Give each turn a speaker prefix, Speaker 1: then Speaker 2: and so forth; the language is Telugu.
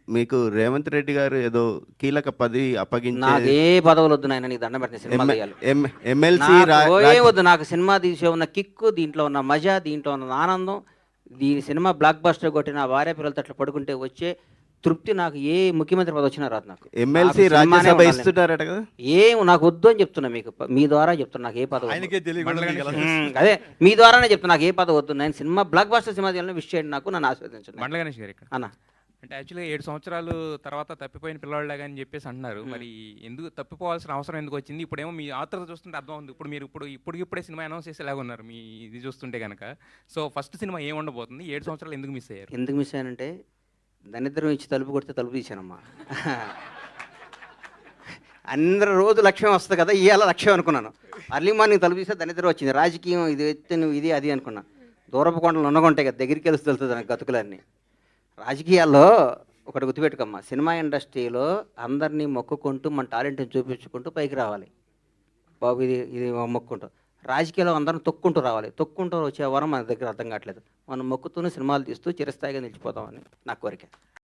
Speaker 1: మీకు రేవంత్ రెడ్డి గారు ఏదో కీలక పదవి అప్పగించే
Speaker 2: నాకే పదవులు వద్దు నాయన, నీకు దండం పెట్టిన సినిమా తీయాలి.
Speaker 1: ఎమ్మెల్సీ
Speaker 2: ఏం వద్దు నాకు. సినిమా తీసే ఉన్న కిక్కు, దీంట్లో ఉన్న మజా, దీంట్లో ఉన్న ఆనందం, దీని సినిమా బ్లాక్ బస్టర్ కొట్టి నా భార్య పిల్లలతో అట్లా పడుకుంటే వచ్చే తృప్తి నాకు ఏ ముఖ్యమంత్రి పదవి వచ్చినా రాదు. నాకు
Speaker 1: ఎమ్మెల్సీ రాజ్యసభ ఇస్తున్నారట కదా,
Speaker 2: ఏం నాకు వద్దు అని చెప్తున్నా. మీకు మీ ద్వారా చెప్తున్నా, నాకు ఏ పదవి అదే మీ ద్వారానే చెప్తున్నా, నాకు ఏ పదవి వద్దు. నేను సినిమా బ్లాక్ బస్టర్ సినిమా తీయాలని విష్ చేయండి, నాకు నన్ను ఆస్వాదించండి.
Speaker 3: మండల గణేష్ గారు ఇక్కడ
Speaker 2: అన్న
Speaker 3: అంటే యాక్చువల్గా 7 సంవత్సరాలు తర్వాత తప్పిపోయిన పిల్లవాళ్ళగా అని చెప్పేసి అంటున్నారు. మరి ఎందుకు తప్పిపోవాల్సిన అవసరం ఎందుకు వచ్చింది? ఇప్పుడేమో మీ ఆత్రత చూస్తుంటే అర్థం ఉంది. ఇప్పుడే సినిమా అనౌన్స్ చేసేలాగా ఉన్నారు మీ ఇది చూస్తుంటే కనుక. సో ఫస్ట్ సినిమా ఏం ఉండబోతుంది? 7 సంవత్సరాలు ఎందుకు మిస్ అయ్యారు?
Speaker 2: ఎందుకు మిస్ అయ్యానంటే, దరిద్రం ఇచ్చి తలుపు కొడితే తలుపు తీశానమ్మా. అందరూ రోజు లక్ష్యం వస్తుంది కదా, ఇవాళ లక్ష్యం అనుకున్నాను. అర్లీ మార్నింగ్ తలుపు తీస్తే దరిద్రం వచ్చింది. రాజకీయం ఇది ఎత్తే నువ్వు ఇది అది అనుకున్నా. దూరపు కొండలు ఉన్నగుంటాయి కదా, దగ్గరికి వెళ్తే తెలుస్తుంది నాకు గతుకులన్నీ. రాజకీయాల్లో ఒకటి గుర్తుపెట్టుకోమ్మా, సినిమా ఇండస్ట్రీలో అందరినీ మొక్కుకుంటూ మన టాలెంట్ని చూపించుకుంటూ పైకి రావాలి బాబు. ఇది మొక్కుంటూ. రాజకీయాల్లో అందరం తొక్కుంటూ రావాలి. తొక్కుంటూ వచ్చే వరం మన దగ్గర అర్థం కావట్లేదు. మనం మొక్కుతూనే సినిమాలు తీస్తూ చిరస్థాయిగా నిలిచిపోతామని నా కోరిక.